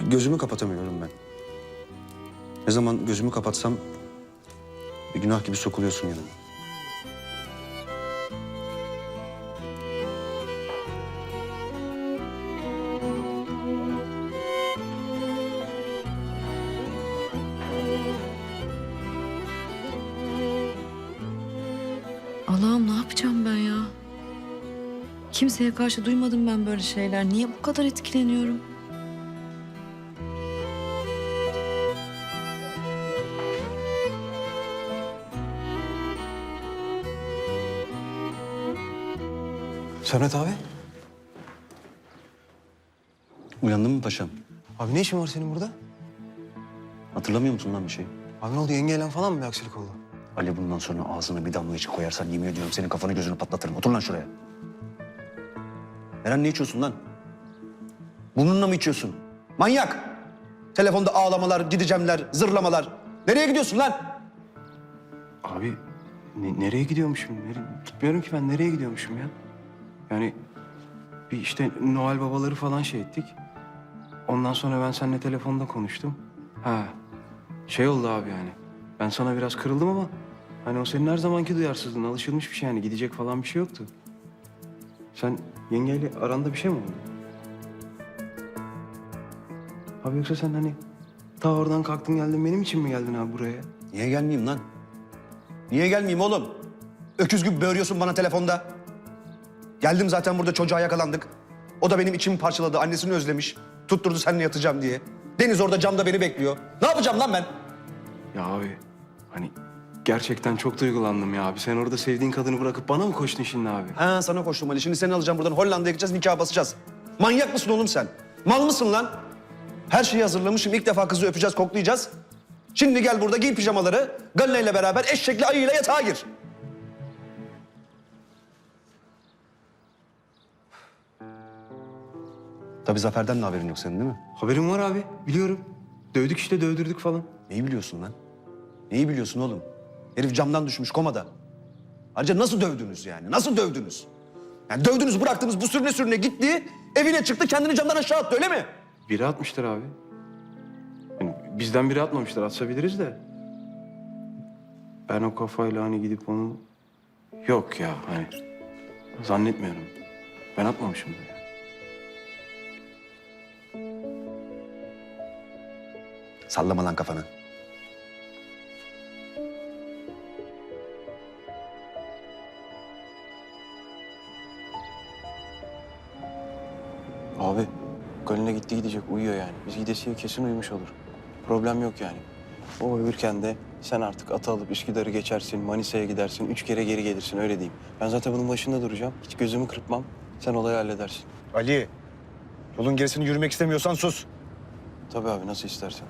Gözümü kapatamıyorum ben. Ne zaman gözümü kapatsam bir günah gibi sokuluyorsun yanıma. Allah'ım ne yapacağım ben ya? Kimseye karşı duymadım ben böyle şeyler. Niye bu kadar etkileniyorum? Sermet abi. Uyandın mı paşam? Abi ne işin var senin burada? Hatırlamıyor musun lan bir şey? Abi ne oldu, yengeyle falan mı bir aksilik oldu? Ali bundan sonra ağzına bir damla içi koyarsan yemin ediyorum senin kafanı gözünü patlatırım. Otur lan şuraya. Eren ne içiyorsun lan? Burnunla mı içiyorsun? Manyak! Telefonda ağlamalar, gideceğimler, zırlamalar. Nereye gidiyorsun lan? Abi nereye gidiyormuşum? Gitmiyorum ki ben, nereye gidiyormuşum ya? Yani bir işte Noel babaları falan şey ettik. Ondan sonra ben seninle telefonda konuştum. Ha, şey oldu abi yani. Ben sana biraz kırıldım ama hani o senin her zamanki duyarsızlığın, alışılmış bir şey yani. Gidecek falan bir şey yoktu. Sen yengeyle aranda bir şey mi oldu? Abi yoksa sen hani ta oradan kalktın geldin, benim için mi geldin abi buraya? Niye gelmeyeyim lan? Niye gelmeyeyim oğlum? Öküz gibi böğürüyorsun bana telefonda. Geldim zaten, burada çocuğa yakalandık. O da benim içimi parçaladı, annesini özlemiş. Tutturdu seninle yatacağım diye. Deniz orada camda beni bekliyor. Ne yapacağım lan ben? Ya abi hani gerçekten çok duygulandım ya abi. Sen orada sevdiğin kadını bırakıp bana mı koştun şimdi abi? Ha, sana koştum Ali. Şimdi seni alacağım buradan, Hollanda'ya gideceğiz, nikah basacağız. Manyak mısın oğlum sen? Mal mısın lan? Her şeyi hazırlamışım. İlk defa kızı öpeceğiz, koklayacağız. Şimdi gel burada giy pijamaları. Galina ile beraber eşekli ayıyla yatağa gir. Tabii Zafer'den de haberin yok senin, değil mi? Haberim var abi, biliyorum. Dövdük işte, dövdürdük falan. Neyi biliyorsun lan? Neyi biliyorsun oğlum? Herif camdan düşmüş, komada. Ayrıca nasıl dövdünüz yani? Nasıl dövdünüz? Yani dövdünüz, bıraktınız, bu sürüne sürüne gitti. Evine çıktı, kendini camdan aşağı attı, öyle mi? Biri atmıştır abi. Yani bizden biri atmamıştır, atsa biliriz de. Ben o kafayla hani gidip onu... Yok ya hani zannetmiyorum. Ben atmamışımdır ya. Sallama lan kafanı. Abi Galina gitti gidecek, uyuyor yani. Biz gidesiye kesin uyumuş olur. Problem yok yani. O uyurken de sen artık atı alıp Üsküdar'ı geçersin, Manisa'ya gidersin, 3 kere geri gelirsin, öyle diyeyim. Ben zaten bunun başında duracağım. Hiç gözümü kırpmam. Sen olayı halledersin. Ali, yolun gerisini yürümek istemiyorsan sus. Tabii abi, nasıl istersen.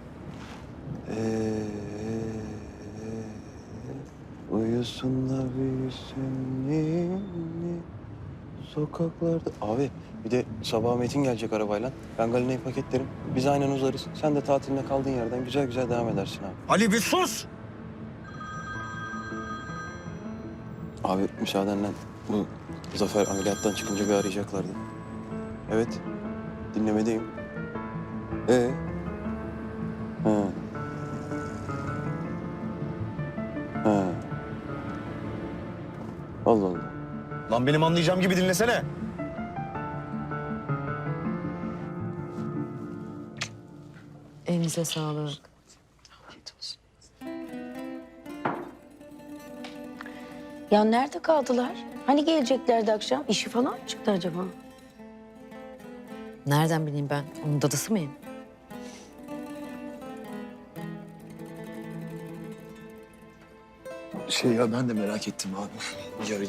Uyusun da büyüsün ninni sokaklarda. Abi bir de sabah Metin gelecek arabayla. Ben Galina'yı paketlerim. Biz aynen uzarız. Sen de tatiline kaldığın yerden güzel güzel devam edersin abi. Ali bir sus! Abi müsaadenle bu Zafer ameliyattan çıkınca bir arayacaklardı. Evet, dinlemedeyim. Ha. Ha. Allah Allah. Lan benim anlayacağım gibi dinlesene. Elinize sağlık. Afiyet olsun. Ya nerede kaldılar? Hani geleceklerdi akşam? İşi falan mı çıktı acaba? Nereden bileyim ben? Onun dadısı mıyım? Ya ben de merak ettim abi. Yarın.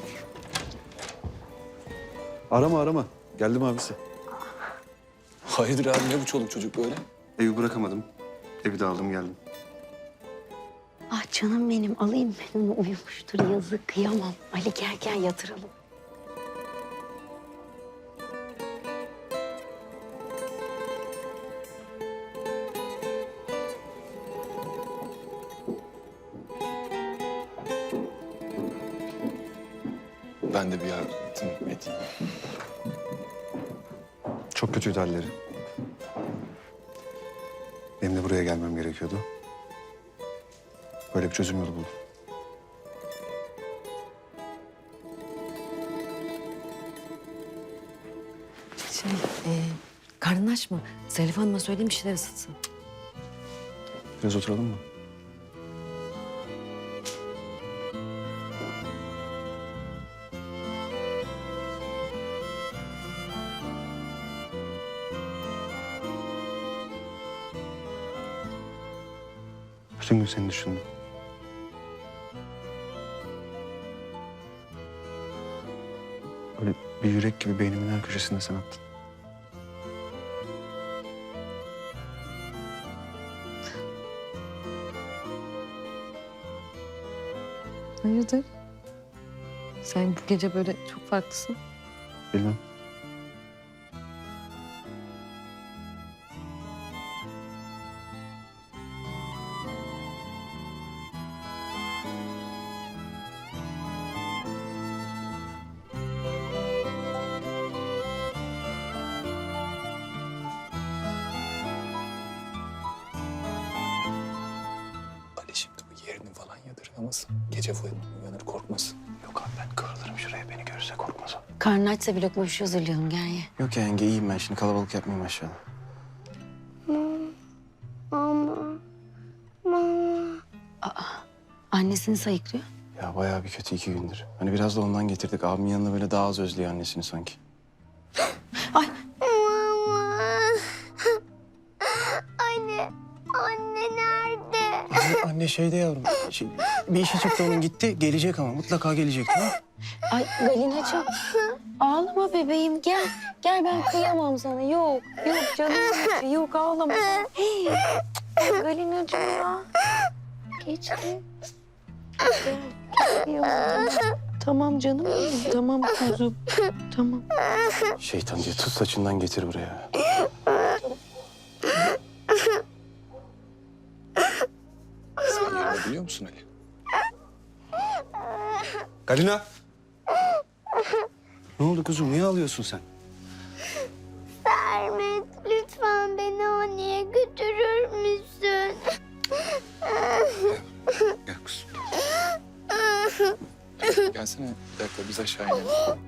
Arama. Geldim abisi. Hayırdır abi, ne bu çoluk çocuk böyle? Evi bırakamadım. Evi de aldım geldim. Ah canım benim, alayım ben onu, uyumuştur yazık, kıyamam. Ali gel yatıralım. Ben de bir yardım edeyim. Çok kötüydü halleri. Benim de buraya gelmem gerekiyordu. Böyle bir çözüm yolu buldum. Karnın aç mı? Zarif Hanım'a söyleyeyim bir şeyler ısıtsın. Biraz oturalım mı? Bütün gün seni düşündüm. Böyle bir yürek gibi beynimin her köşesinde sen attın. Hayırdır? Sen bu gece böyle çok farklısın. Bilmem. Ali şimdi bu yerini falan yadırgamasın. Gece uyanır korkmasın. Yok abi ben kırılırım şuraya, beni görürse korkmaz o. Karnın açsa bir lokma bir şey hazırlayalım, gel ye. Yok ya yenge, iyiyim ben şimdi, kalabalık yapmayayım aşağıda. Annesini sayıklıyor. Ya bayağı bir kötü 2 gündür. Hani biraz da ondan getirdik. Abimin yanında böyle daha az özlüyor annesini sanki. Ay Anne nerede? Anne şeyde yavrum. Bir işi çıktı onun, gitti. Gelecek ama mutlaka gelecek, tamam. Ay Galinacığım. Ağlama bebeğim, gel. Gel, ben kıyamam sana. Yok canım. Yok, ağlama. Hey, Galinacığım ya. Geçti. Gel, geliyorum. Tamam canım benim. Tamam kuzum. Tamam. Şeytan diye tut saçından getir buraya. Sen yerini biliyor musun Ali? Galina! Ne oldu kuzum? Niye ağlıyorsun sen? Sermet, lütfen beni anneye götürür müsün? Gel kuzum. Gelsene bir dakika biz aşağı inelim.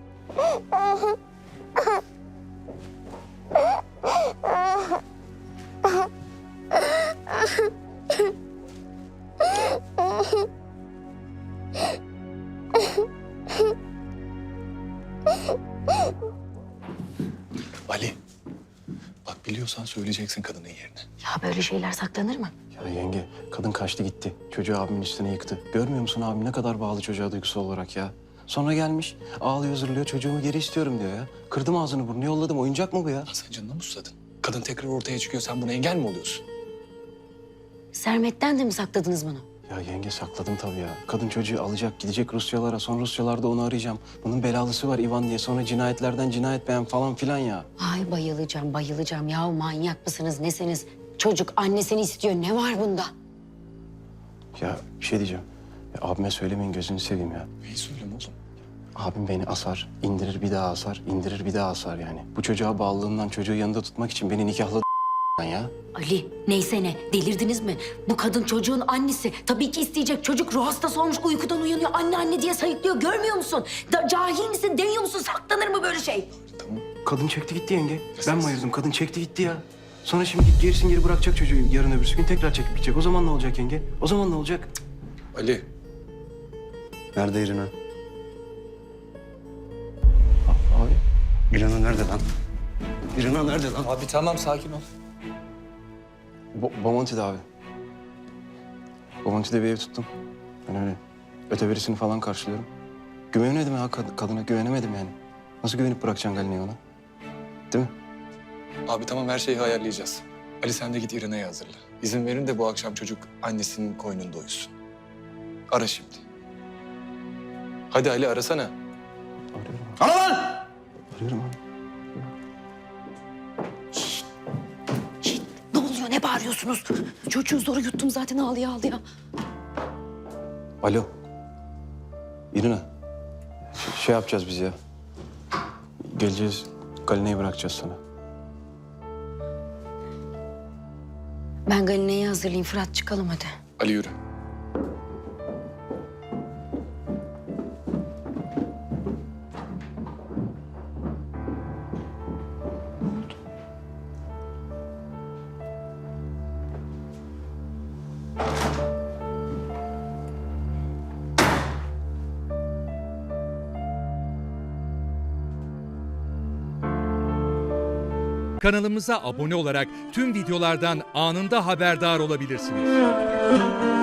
Ali, bak biliyorsan söyleyeceksin kadının yerini. Ya böyle şeyler saklanır mı? Ya yenge, kadın kaçtı gitti. Çocuğu abimin üstüne yıktı. Görmüyor musun abim ne kadar bağlı çocuğa duygusal olarak ya? Sonra gelmiş, ağlıyor zırlıyor, çocuğumu geri istiyorum diyor ya. Kırdım ağzını burnunu yolladım, oyuncak mı bu ya? Ya sen canına mı susadın? Kadın tekrar ortaya çıkıyor, sen buna engel mi oluyorsun? Sermet'ten de mi sakladınız bunu? Ya yenge sakladım tabii ya. Kadın çocuğu alacak, gidecek Rusyalara. Sonra Rusyalarda onu arayacağım. Bunun belalısı var Ivan diye. Sonra cinayetlerden cinayet beğen falan filan ya. Ay bayılacağım. Ya manyak mısınız, nesiniz? Çocuk annesini istiyor. Ne var bunda? Ya bir şey diyeceğim. Ya, abime söylemeyin, gözünü seveyim ya. Neyi söyleyeyim oğlum? Abim beni asar, indirir bir daha asar, indirir bir daha asar yani. Bu çocuğa bağlılığından çocuğu yanında tutmak için beni nikahladı ya. Ali, neyse ne, delirdiniz mi? Bu kadın çocuğun annesi. Tabii ki isteyecek. Çocuk ruh hastası olmuş, uykudan uyanıyor. Anne diye sayıklıyor. Görmüyor musun? Cahil misin, deniyor musun? Saklanır mı böyle şey? Tamam. Kadın çekti gitti yenge. Ben mi ayırdım? Kadın çekti gitti ya. Sonra şimdi gerisin geri bırakacak çocuğu, yarın öbürsü gün tekrar çekip gidecek. O zaman ne olacak yenge? O zaman ne olacak? Ali, Nerede İrina? Abi. İrina nerede lan? İrina nerede lan? abi tamam sakin ol. Bomonti'de abi. Bomonti'de bir ev tuttum. Ben öyle öteverisini falan karşılıyorum. Güvenemedim ya kadına, güvenemedim yani. Nasıl güvenip bırakacaksın Galina'yı ona? Değil mi? Abi tamam her şeyi ayarlayacağız. Ali sen de git İrene'yi hazırla. İzin verin de bu akşam çocuk annesinin koynunda uyusun. Ara şimdi. Hadi Ali arasana. Arıyorum. Ana lan! Arıyorum abi. Ne oluyor, ne bağırıyorsunuz? Çocuğu zor yuttum zaten, ağlaya. Alo. İrina. Şey yapacağız biz ya. Geleceğiz, Galina'yı bırakacağız sana. Ben Galine'yi hazırlayayım. Fırat çıkalım hadi. Ali yürü. Kanalımıza abone olarak tüm videolardan anında haberdar olabilirsiniz.